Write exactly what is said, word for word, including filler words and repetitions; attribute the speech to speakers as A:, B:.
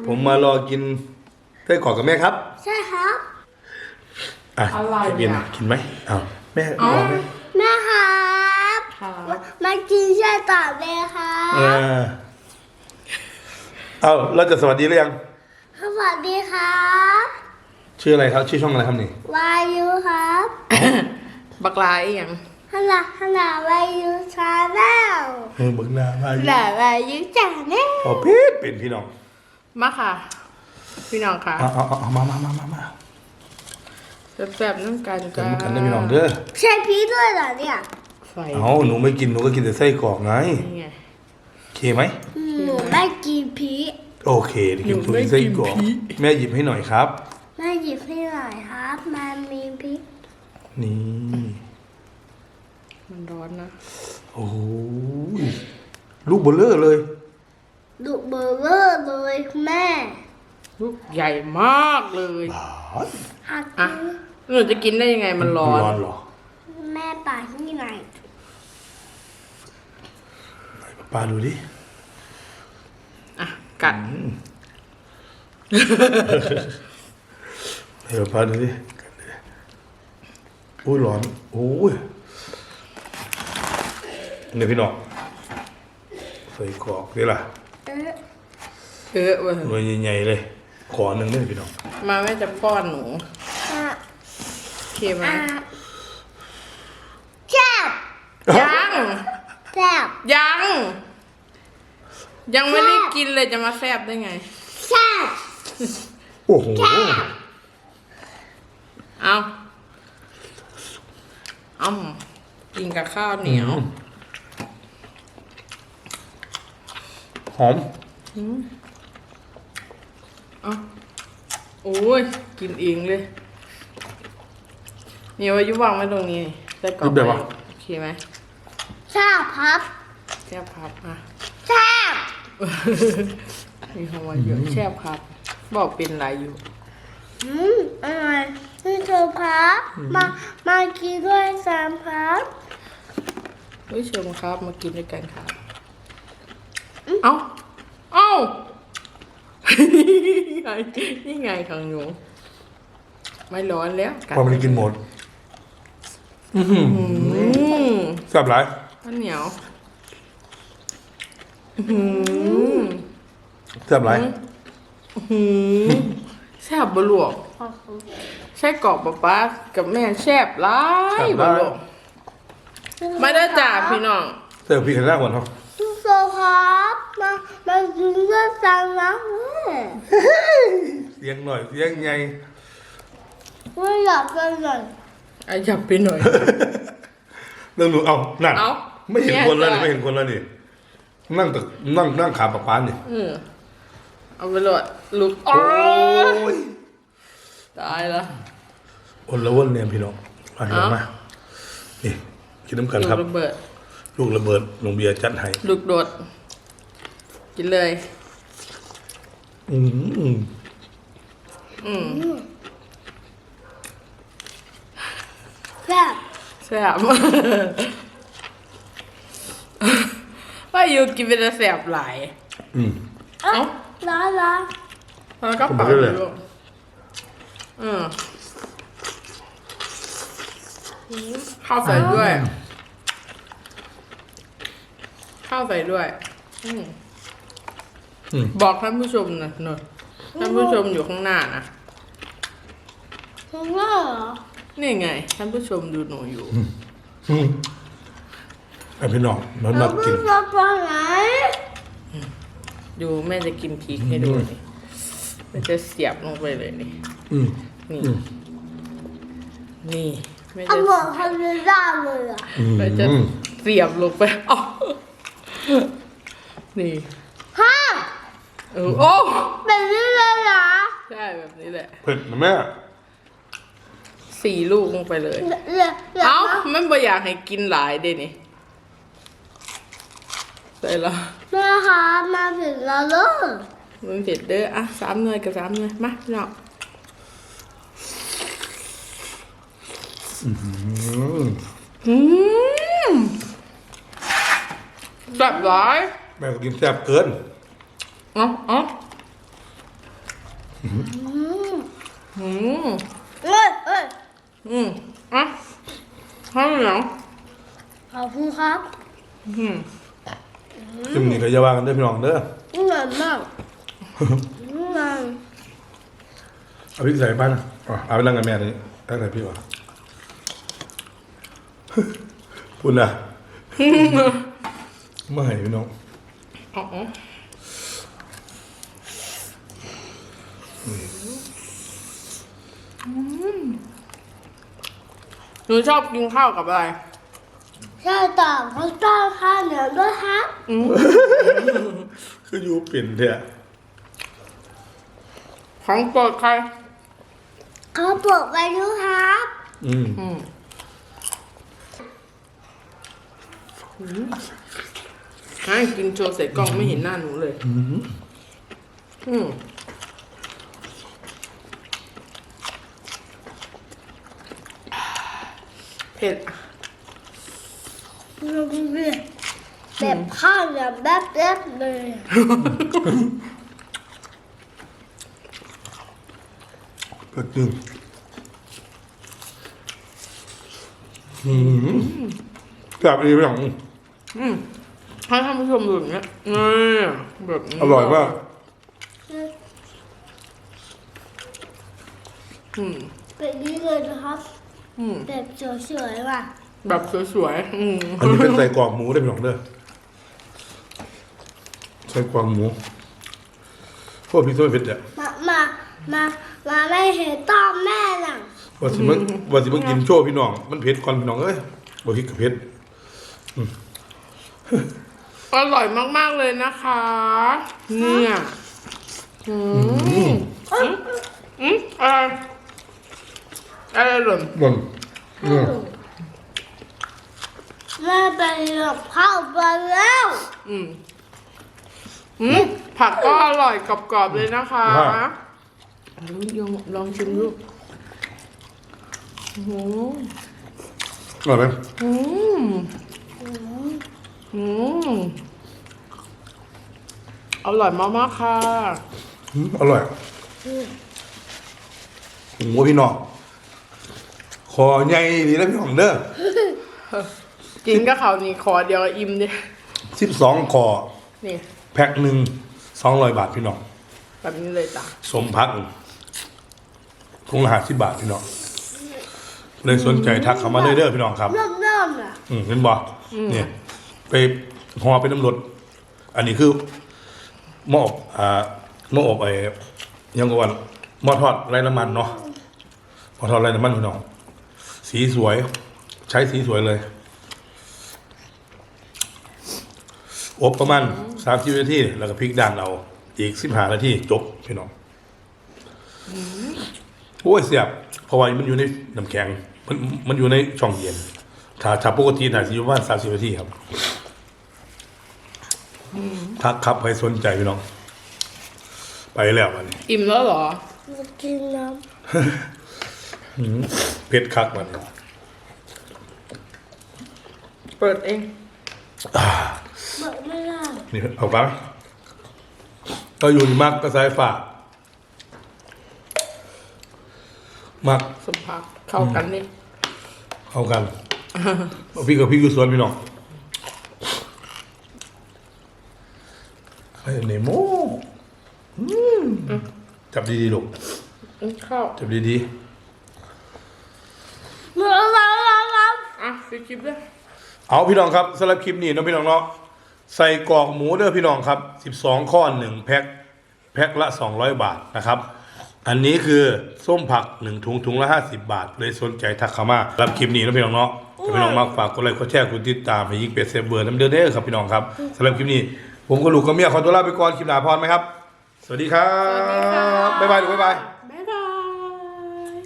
A: ผมมารอกินไส้กรอกกับแม่ครับ
B: ใช่ครับ
A: อ่ะ
C: อะไร
A: จะกิน
C: อ่ะ
A: กินไหมอ้าวแม่
C: อ๋อ
A: รอไหม
B: แม่ครับ
C: ครับ
B: มามากินไส้กรอกเลยครั
A: เอบ อเอาเราจะสวัสดีหรือยัง
B: สวัสดีครับ
A: ชื่ออะไรครับ ชื่อช่องอะไรครับนี่
B: วายุครับ
C: บักลาอีหยัง
B: ฮัลโหลฮัลโหลวายุชาแนล
A: เออบึกหน้ามา
B: ฮัลโหลวายุชาแนล
A: พอเพชรเป็นพี่น้อง
C: มาค่ะ พี่น้องค่ะ
A: เอาเอาเอาเอามามามามามา
C: แซ่บๆน้ำกัน
A: กั
C: กัน น
A: มากันได้พี่น้องเด้อ
B: ใช่พี่ด้วยเหรอเนี่ย
C: ไฟ
A: เอาหนูไม่กินหนูก็กินแต่ไส้กรอกไง
C: นี่ไง
A: โอเคไหม
B: หนูไม่กินพี
A: โอเคเดี๋ยวกินถุงไส้กรอกแม่หยิบให้หน่อยครับ
B: แม่หยิบให้หน่อยครับมันมีพริก
A: นี่
C: มันร้อนนะ
A: โอ้ยลูกเบลเลอร์เลย
B: ดุเบอร์เวอร์เลยแม่
C: ลูกใหญ่มากเลย
B: หัก
C: อ่ะหนูจะกินได้ยังไงมันร้อน
A: ร้อนเหรอ
B: แม่ป่าที่ไหน
A: ไหนป้าดูดิ
C: อ่ะกัด
A: ให้ป้าดูดิโอ้ยร้อนโอ้ยเนี่ยพี่น้องใส่กรอกนี่ล่ะ
B: เออ
C: เออเว้ย
A: หน่วยใหญ่ๆเลยขอหนึ่งเนี่ยพี่น้อง
C: มาแม่จะป้อนหนู
B: อ่ะ
C: โอเคไหม
B: อ่ะแซ่บ
C: ยัง
B: แซ่บ
C: ยัง ยังไม่ได้กินเลยจะมาแซ่บได้ไง
B: แซ่บ
A: โอ้โห
C: เอาเอากินกับข้าวเหนียว
A: หอม
C: เอาโอ้ย กินเองเลยมีวายุวางไว้ตรงนี้ได้กรอบ
A: แบบว่า
C: โอเคไหม
B: แซ่บครับ
C: แซ่บครับอ่ะ
B: แซ่บ
C: มีคำว่าเยอะแซ่บครับ บอกเป็นไรอยู่
B: อืมอร่อยนี่เธอครับมามากินด้วยสามครับ
C: เฮ้ยเชิญครับมากินด้วยกันครับเอ้าเอ้า นี่ไงนี่ไงของหนูไม่ร้อนแล้ว
A: พอมันกินหมด
C: อืม
A: แซ่บหลาย
C: ข้าวเหนียวอืม
A: แซ่บหลาย
C: อืมแซ่บบลวกใช่กรอบป๊าป๊ากับแม่แซ่บหลายบลวกไม่ได้จ่าพี่น้อง
A: เสิร์ฟพี่กันหน้าก่อนครับ
B: ทุกโซครับมามากินด้วยกันนะแม่
A: เสียงหน่อยเสียงใหญ่
B: ไม่อยากกินเลย
C: ไอ้จับไปหน่อย
A: เรื่องหนูเอานั่น
C: เอา
A: ไม่เห็นคนแล้วนี่
C: เนี่ย
A: ไม่เห็นคนแล้วนี่นั่งตึกนั่งนั่งขาปะปานนี่
C: เออเอาไปเลยลุกโอ้
A: โอ้
C: ย
A: ย
C: ตายละ
A: อนละวนเนี่ยพี่น้องมาดู
C: เอา
A: มานี่กินน้ำกัน
C: ลูก
A: ครับ
C: ระเบิด
A: ลูกระเบิดลงเบียร์จัดให้
C: ลูกโดด กินเลย
A: อืม
C: อืม
B: แซ่บ
C: แซ่บ ว่าอยู่กินเป็นแซ่บหลาย
A: อืม
B: เอ้า
C: เอ้า
B: ร้อนร้อน
C: แล้วก็เป่า
A: เอาไปเลย
C: ลูกอืมข้าวใส่ด้วย ข้าวใส่ด้วยอืม
A: อืม
C: บอกท่านผู้ชมนะหน่อยท่านผู้ชมอยู่ข้างหน้านะ
B: ถึงแล้วเหรอ
C: นี่ไง ท่านผู้ชมดูหนูอยู่
A: อืมไอพี่น้องมันมากิน
B: เราไปไหน
C: ดูแม่จะกินพริกให้ดูนี่แม่จะเสียบลงไปเลยนี่
A: อืม
C: นี่
A: อืม
C: นี่แม่
B: เอา
C: จะ
B: หมดทำไม่ได้เลยอ่ะ
A: อืม
C: แม่จะเสียบลงไปอ๋อนี่
B: ฮะ
C: เออโอ้
B: แบบนี้เลยเหรอ
C: ใช่แบบนี้แหละ
A: เผ็ดนะแม่
C: สี่ลูกลงไปเลย
B: เหลือเหลือ
C: เอ้ามันบ่อยากให้กินหลายเด้นี่ใส่ละ
B: แม่คะมาถึงแล้วเลย
C: มันเผ็ดเด้ออ่ะสามหน่วยกับสามหน่วยมาพี่น้อง
A: อืม
C: อืมแบบหลาย
A: แม่ก็กินแซ่บเกิน
C: เอ้าเอ้า
B: อืม
C: อืม
B: เอ้ยเอ้ย
C: อืมอ่ะข้าวเหนียว
B: ขอบคุณครับ
C: อืม
A: คลิปนี้ก็อย่าว่ากันเด้อพี่น้องเด้อ
B: อร่อยมากอร่อย
A: เอาพริกใส่บ้านนะอ๋อเอาไปนั่งกับแม่นี่ตั้งแต่พี่วะ พูดนะ ไม่ให้พี่น้อง
C: อ๋อหนูชอบกินข้าวกับอะไร
B: ใช่ต่อเขาต้อนข้าวเหนียวด้วยครับ
C: อืม
A: คืออยู่เปลี่ยนเถอะ
C: ของโปรดใคร
B: เขาบอกไปด้วยครับ
A: อืม
C: อืมให้กินโชว์ใส่กล้องไม่เห็นหน้าหนูเลย อืม เผ็ด
B: แบบข้าวเหนียวแบบแบบเลย
A: ก็จึงอืมแบบนี้พี่น้อง
C: อืมให้ท่านผู้ชมดูอย่างเงี้ยนี่แบบนี้
A: อร่อยมาก
C: อืม
B: แบบนี้เลยนะครับ
C: อืม
B: แบบสวยๆว่ะ
C: แบบสวยๆ อืม
A: อันนี้เป็นใส่กรอกหมูได้อพี่น้องเด้อใส่กรอกหมูพวกพี่ส้มเผ็ดอ่ะ
B: มา มา มา มาไม่เห็นต้อมแม่หนัง
A: ว่าสิมึงว่าสิมึงกินโชว์พี่น้องมันเผ็ดก่อนพี่น้องเอ้ยบ่พริกกับเผ็ด
C: อร่อยมากๆเลยนะคะ เนี่ยอืมอืมอืมอะไรอะไรหล่น
A: บ่นอืม
B: แม่ไปกับข้าวไปแล้ว
C: อืมอืมผักก็อร่อยกรอบๆเลยนะคะลองลองชิมดูโอ้โห
A: อร่อยไหม
C: อืมอืมอร่อยมากๆค่ะ
A: อืมอร่อยหมูพี่น้องคอใหญ่ดีนะพี่น้องเด้อ
C: กินกับเขาวนี่ขอเดียวก็อิ่มดิ
A: สิบสองคอ
C: นี่
A: แพ็คหนึ่งสองร้อยบาทพี่น้อง
C: แบบนี้เลยจ้ะ
A: สมพักถุงละห้าสิบบาทพี่น้องเลยสนใจทักเข้ามาเลยเด้อพี่น้องครับ
B: เริ่มเริ่มอ่ะ
A: อืมเห็นบ่เนี่ยไปห่อเป็นน้ำรดอันนี้คือหม้ออบอ่าหม้ออบไอ้ยังกว่าหม้อทอดไร้น้ำมันเนาะหม้อทอดไร้น้ำมันพี่น้องสีสวย ใช้สีสวยเลยอบประมาณสามสิบนาทีแล้วก็พลิกด้านเอาอีกสิบห้านาทีจบพี่น้องโอ้ยเสียบเพราะว่ามันอยู่ในน้ำแข็งมันมันอยู่ในช่องเย็นถ้าถ้าปกติน่าจะอยู่ประมาณสามสิบนาทีครับทักครับใครสนใจพี่น้อง ไปแล้วมัน
C: อิ่มแล้วเหรอ
B: มากินน้
A: เผ็ดคักมัน
C: เปิดเอง
B: ำบอกไม่ได้
A: นี่เอาไปก็อยู่ที่มักก็สายฝากมัก
C: สมผักเข้ากันนี่
A: เอากันพี่กับพี่อยู่สวนพี่น้องไอ้เนโมอืมจับดีๆลูก
C: อืมข้าว
A: จับดี
B: เมื่อเราเราเรา
C: อ่ะไปคลิปด้วย
A: ๆเอาพี่น้องครับสำหรับคลิปนี้เนาะพี่น้องเนาะใส่กรอกหมูเด้อพี่น้องครับสิบสองข้อหนึ่งแพ็คแพ็คละสองร้อยบาทนะครับ อันนี้คือส้มผักหนึ่งถุงถุงละห้าสิบบาทเลยสนใจทักเข้ามารับคลิปนี้นะพี่น้องเนาะถ้าพี่น้องมากฝากกดไลค์กดแชร์กดติดตามให้ยิงเป็ดเซฟเบอร์น้ำเดือดเด้อครับพี่น้องครับสำหรับคลิปนี้ ผมกับลูกกับเมียขอตัวลาไปก่อนคลิปหน้าพรไหมครับ สวัสดีครับ
C: สวัสดีค่ะ
A: บ๊ายบายลูกบ๊ายบาย